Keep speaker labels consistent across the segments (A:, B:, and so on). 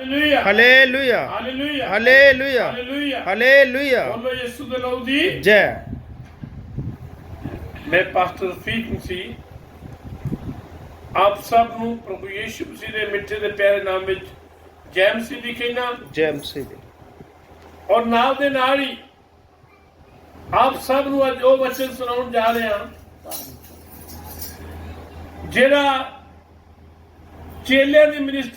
A: Hallelujah hallelujah hallelujah
B: बोलो यीशु दे लहू दी
A: जय।
B: मैं पास्टर रफीक मसीह आप सब ਨੂੰ ਪ੍ਰਭੂ ਯੀਸ਼ੂ ਮਸੀਹ ਦੇ ਮਿੱਠੇ ਤੇ ਪਿਆਰੇ ਨਾਮ ਵਿੱਚ ਜੈ ਮਸੀਹ ਦੀ ਕਹਿਣਾ
A: जय मसीह दी।
B: ਔਰ ਨਾਲ ਦੇ ਨਾਲ ਹੀ ਆਪ ਸਭ ਨੂੰ ਅੱਜ ਉਹ ਵਚਨ ਸੁਣਾਉਣ ਜਾ ਰਹੇ ਹਾਂ ਜਿਹੜਾ ਚੇਲਿਆਂ ਦੀ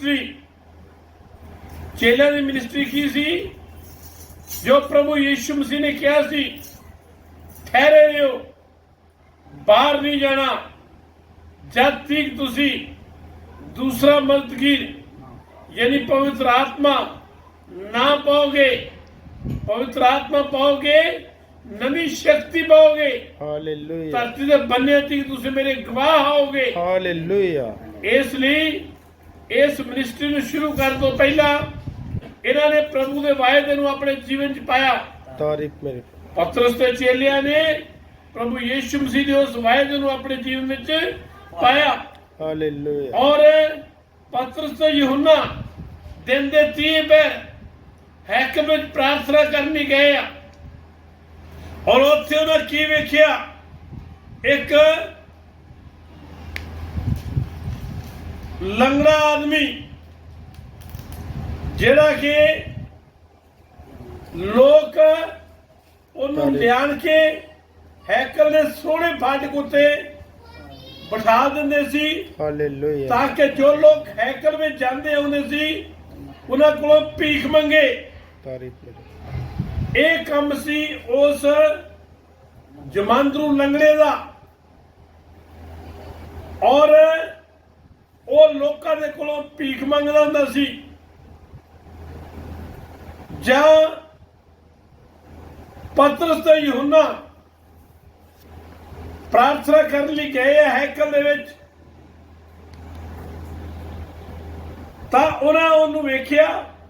B: ਮਿਨਿਸਟਰੀ ਕੀ ਸੀ ਜੋ ਪ੍ਰਭੂ ਯੀਸ਼ੂ ਮਸੀਹ ਨੇ ਕਿਹਾ ਸੀ ਠਹਿਰੇ ਰਹੋ ਬਾਹਰ ਨਹੀਂ ਜਾਣਾ जब तक तुसी दूसरा मददगीर यानी पवित्र आत्मा ना पाओगे, पवित्र आत्मा पाओगे, नवी शक्ति पाओगे,
A: हालेलुया
B: धरती से बनने तक तुसी मेरे गवाह होगे।
A: हालेलुया।
B: इसलिए इस मिनिस्ट्री ਨੂੰ शुरू ਕਰਨ ਤੋਂ ਪਹਿਲਾਂ ਇਹਨਾਂ ਨੇ ਪ੍ਰਭੂ ਦੇ ਵਾਅਦੇ ਨੂੰ ਆਪਣੇ ਜੀਵਨ 'ਚ ਪਾਇਆ।
A: ਤਾਰੀਫ ਮੇਰੇ
B: ਪਤਰਸ ਤੇ ਚੇਲਿਆਂ ਨੇ ਪ੍ਰਭੂ ਯੀਸ਼ੂ ਮਸੀਹ ਦੇ ਉਸ ਵਾਅਦੇ ਨੂੰ ਆਪਣੇ ਜੀਵਨ ਵਿੱਚ पाया।
A: हालेलुया।
B: और पतरस तो यूहन्ना दिन दे 30 पैर हैकल में प्रार्थना करने गए और उत्थे उन्हें की वेख्या एक लंगड़ा आदमी जेड़ा कि लोग उन्होंने लियान के हैकल ने सोने फाटक उत्ते बिठा दिंदे सी
A: हालेलुया
B: ताकि जो लोग हैकल में जाते आते सी उन्हां कोलों भीख मंगे।
A: तारीफ मेरे
B: ये काम सी उस जमांदरू लंगड़े दा और वो लोकां दे कोलों भीख मंगदा हुंदा सी जां पतरस ते यूहन्ना प्रार्थना करने लिए गए हैकल दे विच तां उन्हां उहनूं वेखिया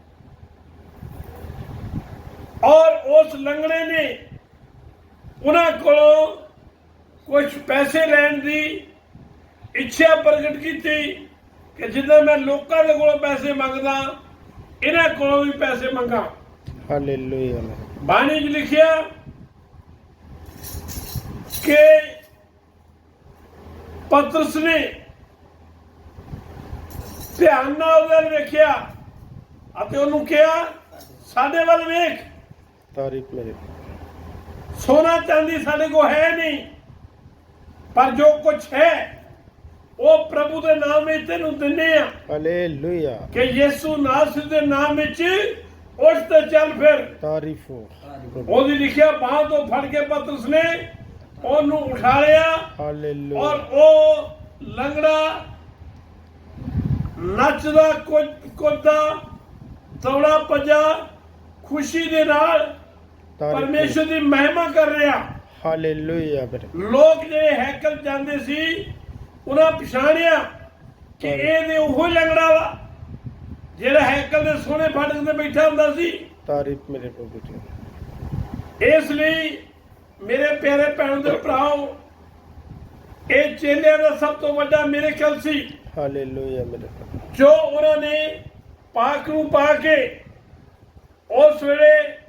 B: और उस लंगड़े ने उन्हां कोलों कुछ पैसे लैण दी इच्छा प्रगट की कि जिद्दां मैं लोकां दे कोलों पैसे मंगदा इन्हां कोलों भी पैसे मंगा।
A: हालेलुया।
B: बाणी च लिखिया कि पतरस ने ध्यान नाल उधर वेखिया अते उन्होंने कहा साडे वल वेख।
A: तारीफ मेरे
B: सोना चांदी साडे को है नहीं पर जो कुछ है वो प्रभु दे नाम में तेनू दिन्ने आ।
A: हालेलुया
B: कि यीशु नासरी दे नाम विच उठ ते चल फिर।
A: तारीफ हो
B: ओदी लिखिया बाह तो फड़ के पतरस ने ओनू उठा लिया
A: हालेलुया
B: और वो लंगड़ा नचदा कुददा दौड़ा भजा खुशी दे नाल परमेश्वर की महिमा कर रहा।
A: हालेलुया मेरे
B: लोग जे हैकल जांदे सी उन्हां पछाणिया कि ये ते ओहो लंगड़ा वा जेड़ा हैकल दे सोने फाटक ते बैठा हुंदा सी।
A: तारीफ मेरे प्रभु जी।
B: इसलिए मेरे प्यारे भैनों दे भराओ ये चेलियां दा सब तो वड्डा मिरेकल सी।
A: हालेलुया मेरे प्रभु
B: जो उन्होंने पाक नूं पा के उस वेले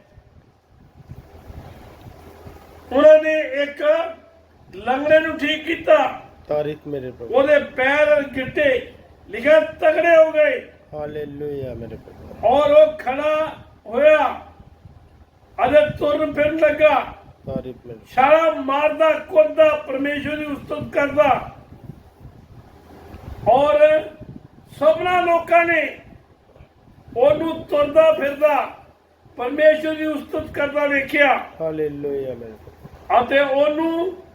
B: उन्होंने एक लंगड़े नूं ठीक कीता।
A: तारीफ मेरे प्रभु
B: ओदे पैर गिट्टे लिखा तगड़े हो गए।
A: हालेलुया मेरे प्रभु
B: और वो खड़ा होया अदे तुरन फिरन लगा
A: तारीफ मेरे
B: छाला मारदा कुददा परमेश्वर की उस्तत करदा और सबना लोकां ने ओनू तुरदा फिरदा परमेश्वर की उस्तत करदा वेखिया।
A: हालेलुया मेरे प्रभु
B: अते ओनू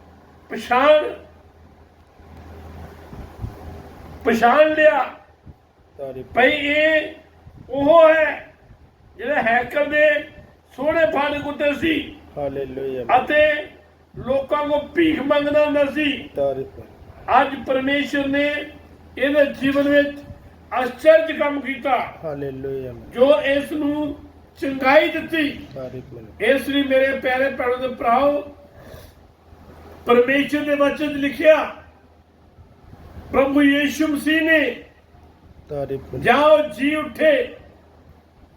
B: पछाण लिया
A: तारीफ
B: भई ये ओह है जिहड़ा हैकल दे सोहणे फाटक उत्ते सी
A: हालेलुया
B: अते लोकां को भीख मंगदा हुंदा सी।
A: तारीफ
B: अज परमेश्वर ने इहदे जीवन विच आश्चर्य काम कीता
A: हालेलुया
B: जो इस नूं चंगाई दित्ती।
A: तारीफ मेरे
B: इसलिए मेरे प्यारे भैणों ते भराओ परमेश्वर दे वचन लिखिया प्रभु यीशु मसीह ने
A: तारीफ
B: जाओ जी उठे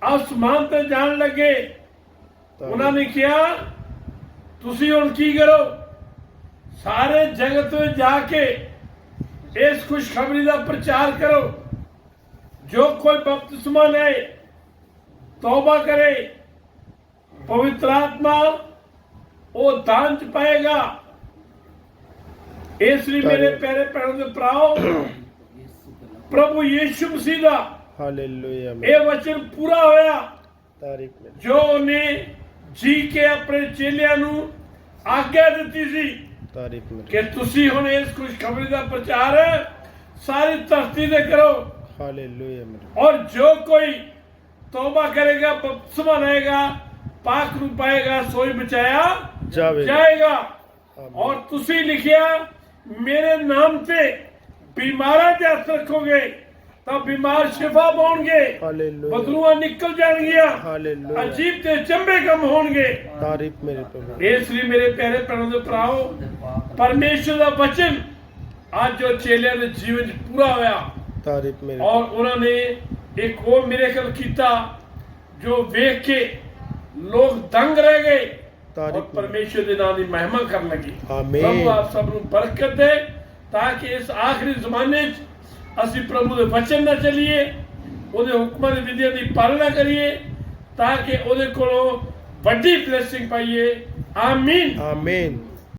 B: ਆਸਮਾਨ ਤੇ ਜਾਣ ਲੱਗੇ।
A: ਤਾਰੀਫ।
B: ਉਹਨਾਂ ਨੇ ਕਿਹਾ ਤੁਸੀਂ ਹੁਣ ਕੀ ਕਰੋ, ਸਾਰੇ ਜਗਤ ਵਿੱਚ ਜਾ ਕੇ ਇਸ ਖੁਸ਼ਖਬਰੀ ਦਾ ਪ੍ਰਚਾਰ ਕਰੋ। ਜੋ ਕੋਈ ਬਪਤਿਸਮਾ ਲੈ, ਤੌਬਾ ਕਰੇ, ਪਵਿੱਤਰ ਆਤਮਾ ਉਹ ਦਾਨ ਚ ਪਾਏਗਾ। ਇਸ ਲਈ ਮੇਰੇ ਪਿਆਰੇ ਭੈਣੋ ਤੇ ਭਰਾਓ, ਪ੍ਰਭੂ ਯੀਸ਼ੂ ਮਸੀਹ ਦਾ
A: ਹਾਲੇਲੂਇਆ।
B: ਇਹ ਵਚਨ ਪੂਰਾ ਹੋਇਆ
A: ਤਾਰੀਫ ਮਿਲ।
B: ਜੋ ਉਹਨੇ ਜੀ ਕੇ ਆਪਣੇ ਚੇਲਿਆਂ ਨੂੰ ਆਗਿਆ ਦਿੱਤੀ ਸੀ
A: ਤਾਰੀਫ ਮਿਲ।
B: ਕਿ ਤੁਸੀਂ ਹੁਣ ਇਸ ਖੁਸ਼ਖਬਰੀ ਦਾ ਪ੍ਰਚਾਰ ਸਾਰੀ ਧਰਤੀ ਤੇ ਕਰੋ।
A: ਹਾਲੇਲੂਇਆ ਮੇਰੇ।
B: और जो कोई तौबा करेगा, बपतिस्मा लेगा, पाक रूप पाएगा, सोई बचाया
A: ਜਾਵੇਗਾ।
B: जाएगा।
A: आमीन।
B: और तुसी लिखिया मेरे नाम से बीमारा दे हथ रखोगे तो बीमार शिफा पाउणगे,
A: हालेलुया।
B: बदलूआ निकल जाएंगियां,
A: हालेलुया।
B: अजीब ते चंबे कम होणगे।
A: ਤਾਰੀਫ ਮੇਰੇ ਪ੍ਰਭੂ।
B: इसलिए मेरे प्यारे भैनों दे भराओ, परमेश्वर दा वचन आज जो चेलियां दे जीवन च पूरा होया
A: ਤਾਰੀਫ ਮੇਰੇ।
B: और उन्होंने एक वो मिरेकल किया जो वेख के लोग दंग रह गए और
A: तारीफ।
B: परमेश्वर के नाम की महिमा कर लगी।
A: आमीन।
B: प्रभु आप सब ਨੂੰ बरकत दे ताकि इस आखिरी जमाने ਅਸੀਂ प्रभु ਦੇ वचन ਨਾਲ ਚੱਲੀਏ, ਉਹਦੇ ਹੁਕਮਾਂ ਦੀ ਵਿਧੀਆਂ ਦੀ ਪਾਲਣਾ ਕਰੀਏ ਤਾਂ ਕਿ ਉਹਦੇ ਕੋਲੋਂ ਵੱਡੀ ਬਲੇਸਿੰਗ ਪਾਈਏ। ਆਮੀਨ।
A: ਆਮੀਨ।